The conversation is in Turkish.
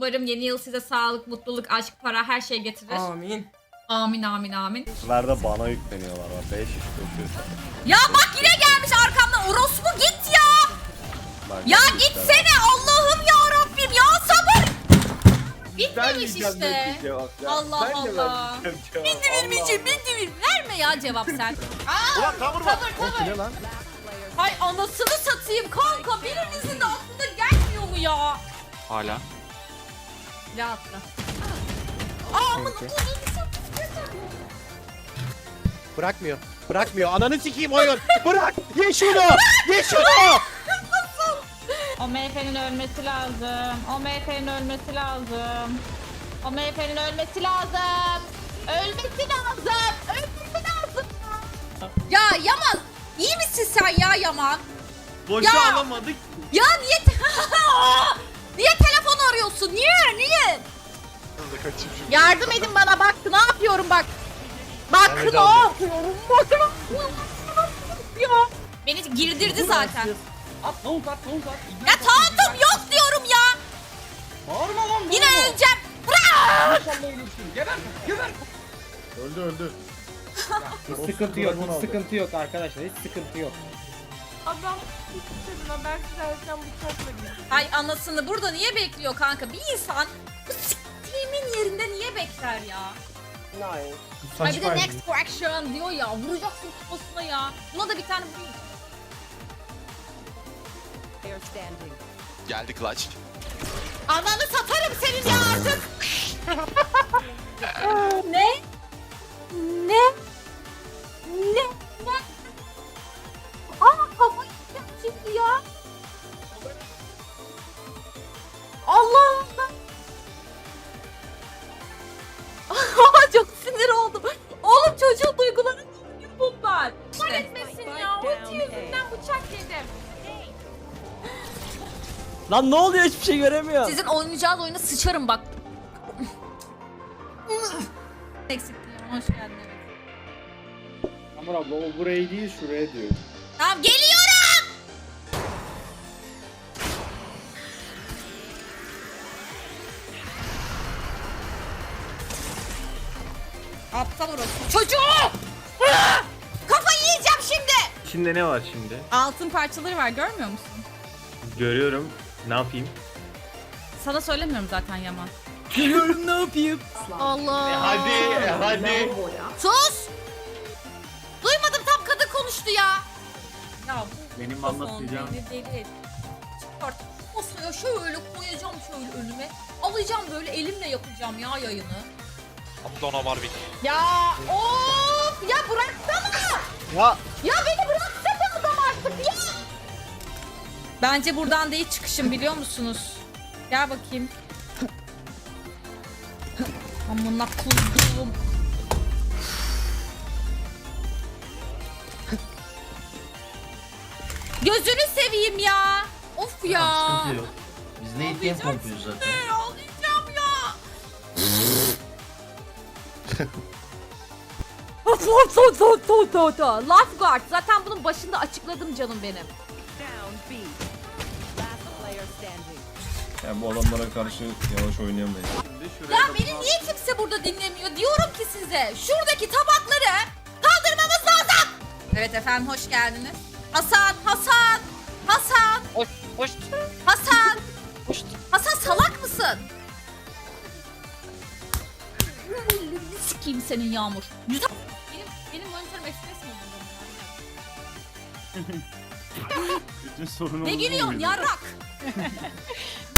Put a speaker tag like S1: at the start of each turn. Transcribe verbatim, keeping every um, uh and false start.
S1: Umarım yeni yıl size sağlık, mutluluk, aşk, para her şey getirir.
S2: Amin.
S1: Amin amin amin.
S3: Nerede bana yükleniyorlar var. beş iş koşuyorsa.
S1: Ya bak yine gelmiş arkamdan. Orospu git ya.
S3: Bak,
S1: Ya
S3: işte
S1: gitsene Allah'ım ya Rabbim ya sabır.
S3: Ben
S1: Bitmemiş
S3: diyeceğim
S1: işte.
S3: net bir cevap ya.
S1: Allah
S3: Ben de
S1: Allah.
S3: vermeyeceğim cevap.
S1: Bindi vermeyeceğim,
S3: Allah
S1: bindi ver. Verme ya cevap sen. Aa,
S3: Ulan tavır bak.
S1: tavır
S3: O
S1: tavır.
S3: ne lan?
S1: Hay anasını satayım kanka. Birinizin de aklına gelmiyor mu ya?
S4: Hala.
S1: Ya atla. Aa amına koyayım.
S5: Bırakmıyor. Bırakmıyor. Ananı sikeyim oyun. Bırak. Ye şunu. Ye şunu.
S6: O M F N'in ölmesi lazım. O M F'nin ölmesi lazım. O M F'nin ölmesi lazım. Ölmesi lazım. Ölmesi lazım.
S1: Ya Yaman. İyi misin sen ya Yaman?
S2: Boşa
S1: Ya!
S2: alamadık.
S1: Ya niye te- niye telefon arıyorsun? Niye? Niye?
S6: Yardım edin bana bak ne yapıyorum bak. Bak ne yapıyorum. Bakın. Ya.
S1: Beni girdirdi zaten.
S2: At ne oldu at ne oldu at.
S1: Ya tahammülüm yok diyorum ya.
S2: Bağırma lan.
S1: Yine öleceğim. Bırak.
S2: İnşallah ölürsün. Geber. Geber.
S3: Öldü öldü.
S5: Hiç sıkıntı yok. Hiç sıkıntı yok arkadaşlar. Hiç sıkıntı yok.
S6: Adam kadına ben sizlerden bıçakla gidiyorum.
S1: Ay anasını burada niye bekliyor kanka? Bir insan bu s**tiğimin yerinde niye bekler ya? Ay bir de next correction diyor ya. Vuracaksın kafasına ya. Buna da bir tane vurayım.
S4: Geldi clutch.
S6: Ananı satarım senin ya artık.
S1: Ne? Ne? Ne? Ne? Aa kafayı yiyeceğim şimdi ya. Allah'ım ben. Çok sinir oldum. Oğlum çocuğun duyguları bunlar.
S6: Kahretmesin ya. Ulti yüzünden bıçak yedim.
S2: Lan ne oluyor hiçbir şey göremiyorum.
S1: Sizin oynayacağınız oyuna sıçarım bak. Eksikliğim. Hoş geldin evet.
S5: Amur abla o burayı değil şuraya diyor.
S1: Tamam geliyorum. Aptal orası. Çocuğu! Ah! Kafayı yiyeceğim şimdi.
S7: İçinde ne var şimdi?
S1: Altın parçaları var görmüyor musun?
S7: Görüyorum. Ne yapayım?
S1: Sana söylemiyorum zaten Yaman.
S2: Görüyorum ne yapayım.
S1: Allah.
S3: E hadi e hadi.
S1: Sus! Duymadım tam kadın konuştu ya. Ya bu
S7: Benim
S1: mikrofon
S7: anlatacağım.
S1: beni deli et. Çıkart. Masaya şöyle koyacağım şöyle önüme. Alacağım böyle elimle yapacağım ya yayını.
S4: Abdona Warwick.
S6: Ya of ya bıraksana.
S3: Ya
S6: Ya beni bıraksana adam artık ya.
S1: Bence buradan değil çıkışım biliyor musunuz? Gel bakayım. Amına kuzum. Gözünü seveyim ya. Of ya.
S8: Sıkıntı yok. Biz ne ihtiyam kompluyuz zaten.
S1: Ne ağlayacağım ya. Lifeguard. Zaten bunun başında açıkladım canım benim.
S7: Yani bu adamlara karşı yavaş oynayamayız.
S1: Ya beni niye kimse burada dinlemiyor? Diyorum ki size şuradaki tabakları kaldırmamız lazım. Evet efendim hoş geldiniz. Hasan, Hasan, Hasan.
S4: Hoş, hoş.
S1: Hasan.
S4: Hoş.
S1: Hasan salak mısın? Sikeyim senin Yağmur. Güzel. Benim, benim monitörüm ekspres mi oldu?
S7: Bütün sorun
S1: Ne gülüyorsun yarrak?